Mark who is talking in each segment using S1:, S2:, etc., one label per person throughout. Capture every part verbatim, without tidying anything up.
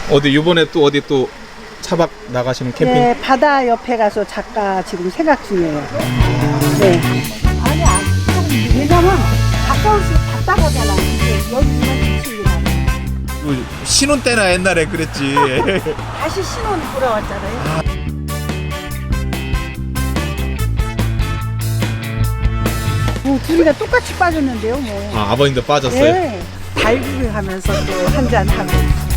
S1: 어디 이번에 또 어디 또 차박 나가시는 캠핑?
S2: 네, 바다 옆에 가서 작가 지금 생각 중이에요. 네. 아니, 아니, 왜냐면 가까울수록 답답하잖아. 여기만 지치기만.
S1: 뭐 신혼 때나 옛날에 그랬지.
S2: 다시 신혼 돌아왔잖아요.
S1: 아.
S2: 뭐 둘이가 똑같이 빠졌는데요, 뭐.
S1: 아, 아버님도 빠졌어요?
S2: 네. 달구기 하면서 또 한잔 하고.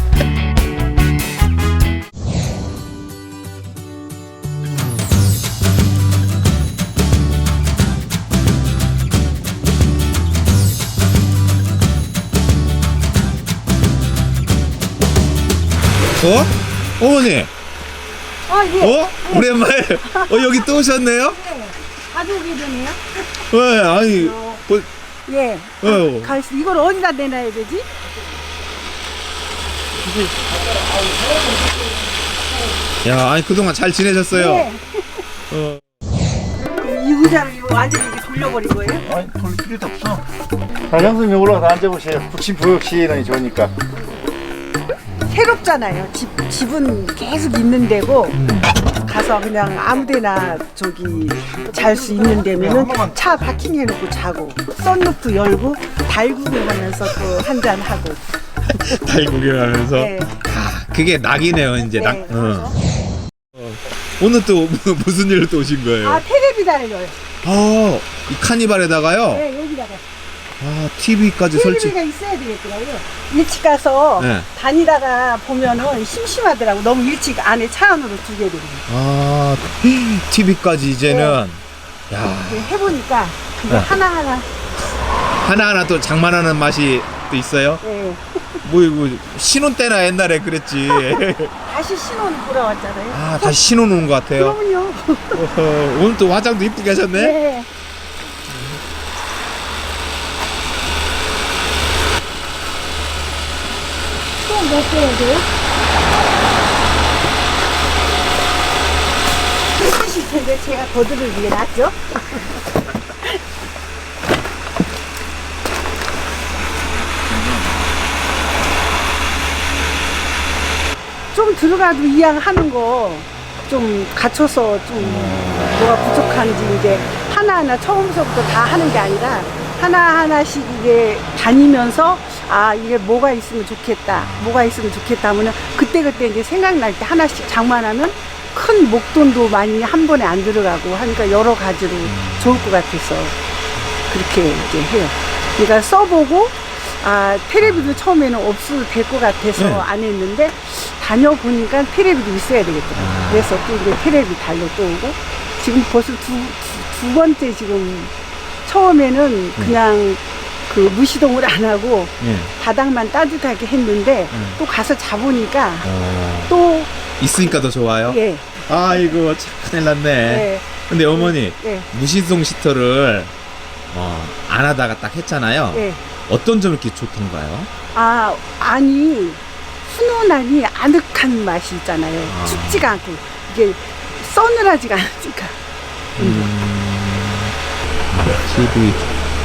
S1: 어? 어머니?
S2: 아, 예.
S1: 어? 오랜만에. 어, 여기 또 오셨네요?
S2: 네. 가족이네요.
S1: 왜, 아니.
S2: 어.
S1: 뭐,
S2: 예.
S1: 어.
S2: 가, 이걸 어디다 내놔야 되지?
S1: 야, 아니, 그동안 잘 지내셨어요?
S2: 네.
S1: 어.
S2: 이 의자를 완전히 이렇게 돌려버린 거예요?
S3: 아니 돌릴 필요도 없어. 장성님 올라가서 앉아보세요. 북신부역시너니 좋으니까.
S2: 새롭잖아요. 집, 집은 계속 있는 데고 가서 그냥 아무데나 저기 잘 수 있는 데면은 차 파킹해놓고 자고 썬루프 열고 달구기 하면서 또 한잔 하고.
S1: 달 구경하면서.
S2: 네.
S1: 아, 그게 낙이네요, 이제 낙.
S2: 네,
S1: 어. 어. 오늘 또 무슨 일로 또 오신 거예요?
S2: 아, 텔레비 달려요.
S1: 아, 이 카니발에다가요?
S2: 네, 여기다가.
S1: 아, 티비까지 설치.
S2: 텔레비가 있어야 되겠더라고요. 일찍 가서
S1: 네.
S2: 다니다가 보면은 심심하더라고. 너무 일찍 안에 차 안으로 두게 되고.
S1: 아, 티비까지 이제는. 야,
S2: 해보니까 그게
S1: 네.
S2: 하나하나.
S1: 하나하나 또 장만하는 맛이 또 있어요?
S2: 네.
S1: 뭐, 이거, 신혼 때나 옛날에 그랬지.
S2: 다시 신혼 돌아왔잖아요.
S1: 아, 다시 신혼 온 것 같아요.
S2: 그럼요.
S1: 어허, 오늘 또 화장도 이쁘게 하셨네?
S2: 네. 또몇 개야 돼요? 힘드실 텐데 제가 거들을 위해 놨죠? 좀 들어가도 이왕 하는 거 좀 갖춰서 좀 뭐가 부족한지 이제 하나하나 처음서부터 다 하는 게 아니라 하나하나씩 이게 다니면서 아 이게 뭐가 있으면 좋겠다 뭐가 있으면 좋겠다 하면은 그때그때 이제 생각날 때 하나씩 장만하면 큰 목돈도 많이 한 번에 안 들어가고 하니까 여러 가지로 좋을 것 같아서 그렇게 이제 해요. 그러니까 써보고 아 테레비도 처음에는 없어도 될 것 같아서
S1: 네.
S2: 안 했는데 다녀보니까 테레비도 있어야 되겠더라고요.
S1: 아.
S2: 그래서 또 이제 테레비 달러 또 오고 지금 벌써 두, 두, 두 번째 지금 처음에는 그냥 그 무시동을 안 하고
S1: 예.
S2: 바닥만 따뜻하게 했는데
S1: 음.
S2: 또 가서 자보니까
S1: 어,
S2: 또
S1: 있으니까 더 좋아요?
S2: 예,
S1: 아이고, 참 큰일 났네.
S2: 예,
S1: 근데 어머니,
S2: 예,
S1: 무신송 시터를 어, 안 하다가 딱 했잖아요.
S2: 예.
S1: 어떤 점이 이렇게 좋던가요?
S2: 아, 아니, 훈훈하니 아늑한 맛이 있잖아요.
S1: 아.
S2: 춥지가 않고, 이게 서늘하지가 않으니까.
S1: 음, 티비.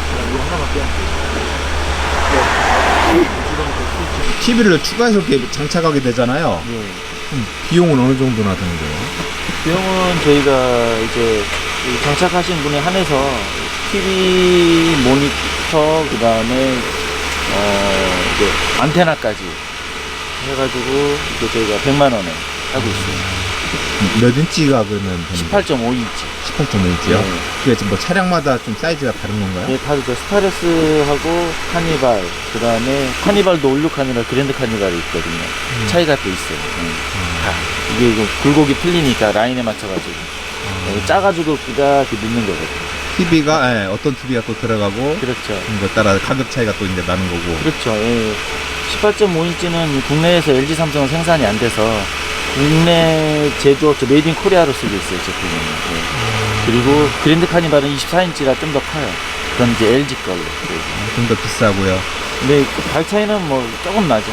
S1: 티비를 추가해서 이렇게 장착하게 되잖아요.
S3: 예.
S1: 그럼 비용은 어느 정도나 드는데요?
S3: 비용은 저희가 이제 이 장착하신 분에 한해서 티비 모니터 그다음에 어 이제 안테나까지 해가지고 이제 저희가 백만 원에 하고 있습니다.
S1: 몇 인치가 그러면 되는
S3: 십팔 점 오 인치.
S1: 십팔 점 오 인치요?
S3: 네.
S1: 그게 지금 뭐 차량마다 좀 사이즈가 다른 건가요?
S3: 예, 다르죠. 스타레스하고 카니발, 그 다음에 카니발도 올육 아니라 그랜드 카니발이 있거든요.
S1: 음.
S3: 차이가 또 있어요. 예. 다. 이게 이거 굴곡이 풀리니까 라인에 맞춰가지고. 예, 짜가지고 그다 이렇게 넣는 거거든요.
S1: 티비가 예, 어떤 티비가 또 들어가고
S3: 그렇죠.
S1: 그에 따라 가격 차이가 또 이제 나는 거고.
S3: 그렇죠. 예. 십팔 점 오 인치는 국내에서 엘지 삼성은 생산이 안 돼서 국내 제조업, 메이드 인 코리아로 쓰고 있어요, 제품은. 예. 그리고 그랜드 카니발은 이십사 인치라 좀 더 커요. 그건 이제 엘지 걸로.
S1: 좀 더 비싸고요.
S3: 근데 발 차이는 뭐 조금 나죠.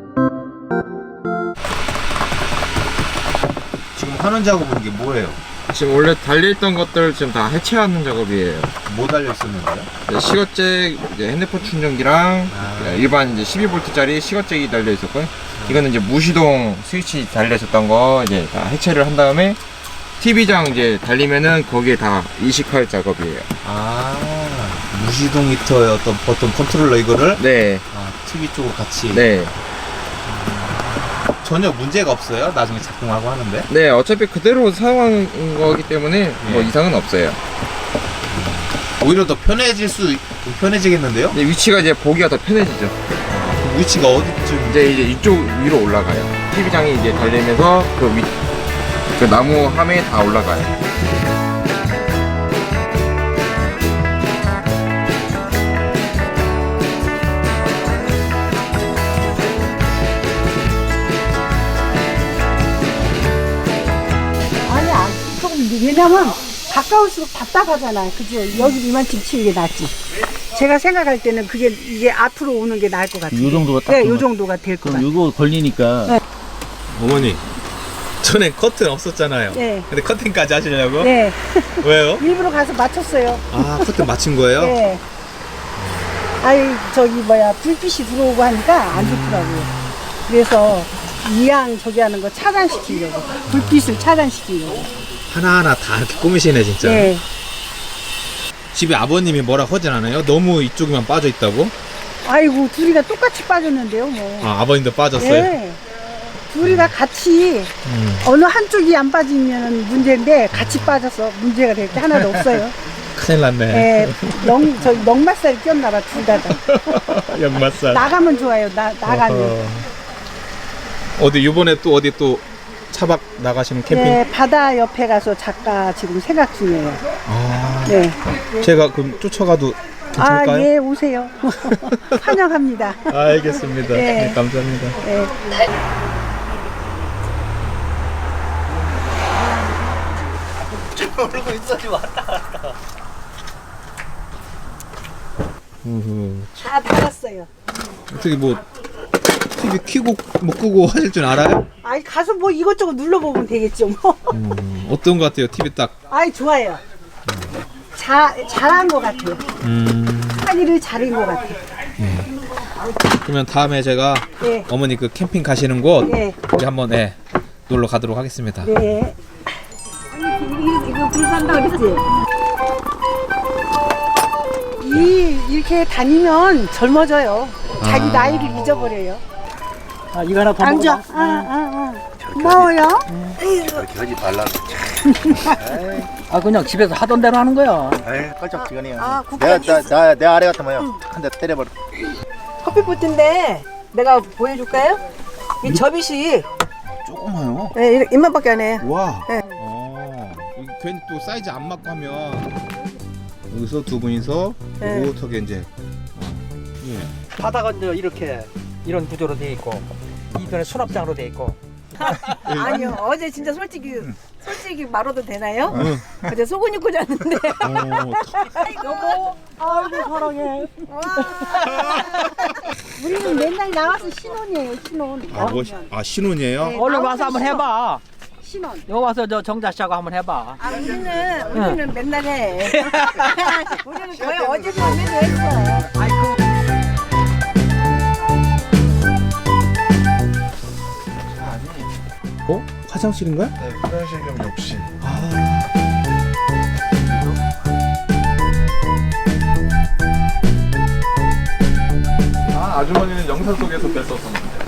S1: 지금 하는 작업은 이게 뭐예요?
S4: 지금 원래 달려있던 것들 지금 다 해체하는 작업이에요.
S1: 뭐 달려 있었는데요?
S4: 이제 시거잭, 이제 핸드폰 충전기랑
S1: 아.
S4: 일반 이제 십이 볼트짜리 시거잭이 달려 있었고요. 이거는 이제 무시동 스위치 달려 있었던 거 이제 다 해체를 한 다음에 티비장 이제 달리면은 거기에 다 이식할 작업이에요.
S1: 아, 무시동 히터의 어떤 버튼 컨트롤러 이거를
S4: 네,
S1: 아, 티비 쪽으로 같이.
S4: 네,
S1: 전혀 문제가 없어요. 나중에 작동하고 하는데.
S4: 네. 어차피 그대로 사용한 거기 때문에 뭐
S1: 예.
S4: 이상은 없어요.
S1: 오히려 더 편해질 수 있- 편해지겠는데요?
S4: 근데 위치가 이제 보기가 더 편해지죠.
S1: 그 위치가 어디쯤?
S4: 이제 이제 이쪽 위로 올라가요. 티비장이 이제 달리면서 그 위, 그 나무 함에 다 올라가요.
S2: 아니, 안, 조금, 왜냐면 가까울수록 답답하잖아. 그죠? 여기 이만큼 치는 게 낫지. 제가 생각할 때는 그게, 이게 앞으로 오는 게 나을 것 같아요.
S3: 요 정도가 딱
S2: 네,
S3: 좋은
S2: 요
S3: 것
S2: 정도가 될 것
S3: 그럼
S2: 같아요.
S3: 이거 걸리니까
S2: 네.
S1: 어머니, 전에 커튼 없었잖아요.
S2: 네.
S1: 근데 커튼까지 하시려고?
S2: 네.
S1: 왜요?
S2: 일부러 가서 맞췄어요.
S1: 아, 커튼 맞춘 거예요?
S2: 네. 아이, 저기, 뭐야, 불빛이 들어오고 하니까 안 좋더라고요. 그래서 이양 저기 하는 거 차단시키려고. 불빛을 차단시키려고.
S1: 하나하나 다 이렇게 꾸미시네, 진짜.
S2: 네.
S1: 집에 아버님이 뭐라 하진 않아요? 너무 이쪽에만 빠져 있다고?
S2: 아이고, 둘이가 똑같이 빠졌는데요, 뭐.
S1: 아, 아버님도 빠졌어요?
S2: 네. 둘이가 같이
S1: 음.
S2: 어느 한쪽이 안 빠지면 문제인데 같이 빠져서 문제가 될 게 하나도 없어요.
S1: 큰일 났네.
S2: 예, 넉, 저 넉맛살이 꼈나봐, 둘 다. 다.
S1: 역맛살.
S2: 나가면 좋아요, 나, 나가면.
S1: 어허. 어디, 이번에 또 어디 또 차박 나가시는 캠핑?
S2: 네, 바다 옆에 가서 작가 지금 생각 중이에요.
S1: 아,
S2: 네.
S1: 제가 그럼 쫓아가도
S2: 아,
S1: 괜찮을까요?
S2: 예, 오세요. 환영합니다.
S1: 알겠습니다.
S2: 네.
S1: 네, 감사합니다.
S2: 예.
S1: 우후.
S2: 다 달았어요.
S1: 어떻게 뭐 티비 켜고 뭐 끄고 하실 줄 알아요?
S2: 아이, 가서 뭐 이것저것 눌러보면 되겠죠, 뭐.
S1: 음, 어떤 것 같아요? 티비 딱.
S2: 아이, 좋아요. 자, 잘한 것 같아요.
S1: 음,
S2: 하기를 잘한 것 같아요.
S1: 그러면 다음에 제가
S2: 네.
S1: 어머니 그 캠핑 가시는 곳
S2: 네.
S1: 우리 한번 네, 놀러 가도록 하겠습니다.
S2: 네. 이거 불산다 그랬지? 이, 이렇게 다니면 젊어져요. 자기
S1: 아.
S2: 나이를 잊어버려요.
S3: 아 이거 하나 더
S2: 앉아.
S3: 먹어.
S2: 아, 아, 아. 고마워요.
S3: 아 그냥 집에서 하던 대로 하는 거야.
S5: 에이 껄쩍지근해요.
S2: 아,
S5: 내가 나, 나, 내 아래 같으면 한 대 때려버려.
S6: 커피포트인데 내가 보여줄까요? 이 접이식
S1: 조그마요.
S6: 네, 이렇게 입만밖에 안 해.
S1: 와.
S6: 네.
S1: 어, 여기 괜히 또 사이즈 안 맞고 하면 여기서 두 분이서
S6: 네.
S1: 오붓하게 이제. 어, 예.
S7: 바다가 이제 이렇게 이런 구조로 돼 있고 이편에 수납장으로 돼 있고
S6: 아니요, 어제 진짜 솔직히 솔직히 말해도 되나요?
S1: 응.
S6: 어제 속은 입고 잤는데.
S1: 어,
S6: 여보,
S2: 아이고, 사랑해. 우리는 맨날 나와서 신혼이에요, 신혼.
S1: 아, 뭐, 아 신혼이에요?
S2: 네.
S7: 얼른 와서 한번 해봐.
S2: 신혼.
S7: 여기 와서 저 정자 씨하고 한번 해봐.
S6: 아, 우리는 우리는 맨날 해. 우리는 거의 어제도 오늘도 했어.
S1: 어? 화장실인가요?
S4: 네, 화장실 겸 욕실. 아, 아주머니는 영상 속에서 뵀었었는데.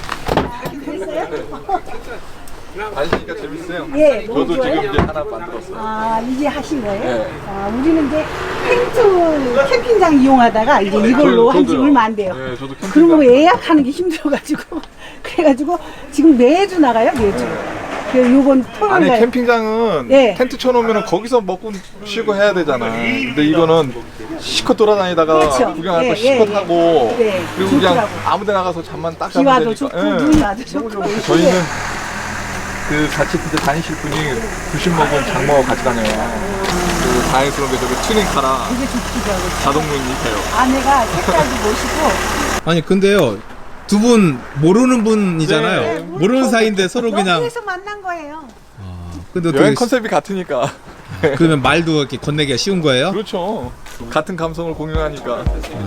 S4: 다니시니까 재밌어요.
S2: 예,
S4: 저도
S2: 너무
S4: 지금
S2: 좋아요.
S4: 이제 하나 만들었어요.
S2: 아, 이제 하신 거예요?
S4: 네.
S2: 아, 우리는 이제 텐트 캠핑장 이용하다가 이제 이걸로 한 지
S4: 저도요.
S2: 얼마 안 돼요.
S4: 네, 저도 캠핑장.
S2: 그런 거 예약하는 게 힘들어가지고 그래가지고 지금 매주 나가요, 매주. 그 요번 토요일
S4: 아니
S2: 날.
S4: 캠핑장은
S2: 네.
S4: 텐트 쳐놓으면 거기서 먹고 쉬고 해야 되잖아. 근데 이거는 실컷 돌아다니다가
S2: 그렇죠.
S4: 구경할 거
S2: 예,
S4: 실컷
S2: 예,
S4: 하고
S2: 네,
S4: 그리고 그냥
S2: 좋더라고.
S4: 아무데 나가서 잠만 딱
S2: 비
S4: 자면
S2: 와도
S4: 되니까.
S2: 좋고
S4: 예.
S2: 눈 와도 좋고.
S4: 저희는 그 같이 그때 다니실 분이 구십 먹은 장모가 같이 다녀요. 그리고 다행스러운 게 저기 튜닝카라
S2: 되게 좋기도 하고.
S4: 자동문이 있어요.
S2: 아내가 색깔도 멋이고.
S1: 아니 근데요 두 분 모르는 분이잖아요.
S4: 네.
S1: 모르는 사이인데 서로 그냥.
S2: 여기에서 만난 거예요.
S1: 근데
S4: 여행
S1: 어떻게
S4: 컨셉이 같으니까.
S1: 그러면 말도 이렇게 건네기가 쉬운 거예요?
S8: 그렇죠. 같은 감성을 공유하니까.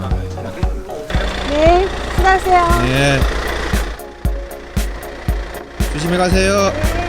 S2: 네, 수고하세요.
S1: 네. 조심히 가세요.